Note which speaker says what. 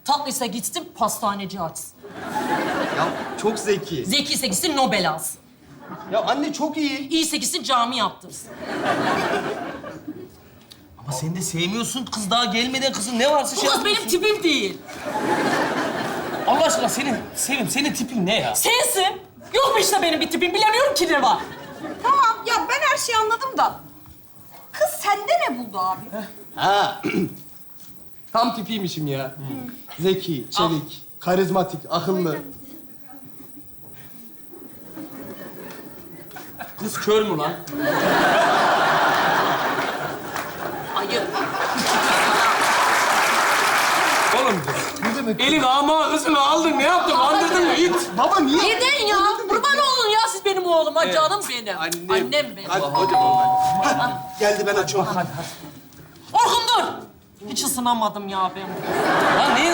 Speaker 1: Tatlıysa gitsin pastaneci açsın.
Speaker 2: Ya çok zeki.
Speaker 1: Zekiyse gitsin Nobel alsın.
Speaker 2: Ya anne çok iyi.
Speaker 1: İyiyse gitsin cami yaptırsın.
Speaker 3: Ama sen de sevmiyorsun. Kız daha gelmeden kızın ne varsa
Speaker 1: Bu
Speaker 3: şey
Speaker 1: kız benim
Speaker 3: yapıyorsun.
Speaker 1: tipim değil.
Speaker 3: Allah aşkına senin tipin ne ya?
Speaker 1: Sensin. Yok mu işte benim bir tipim? Bilemiyorum ki ne var.
Speaker 4: Tamam ya ben her şeyi anladım da. Kız sende ne buldu abi?
Speaker 2: Ha. Tam tipiymişim ya. Zeki, çevik, karizmatik, akıllı.
Speaker 3: Kız kör mü lan?
Speaker 1: Hayır.
Speaker 3: Oğlum
Speaker 2: Ne demek?
Speaker 3: elin ama kızını aldın ne yaptın? Andırdın mı? İt.
Speaker 2: Baba niye?
Speaker 1: Neden ya? Kurban olun ya siz benim oğluma. Canım benim. Annem benim.
Speaker 2: Hadi hocam. Hadi. Geldi ben açıyorum.
Speaker 1: Orkun dur. Hiç ısınamadım ya ben.
Speaker 3: Lan ne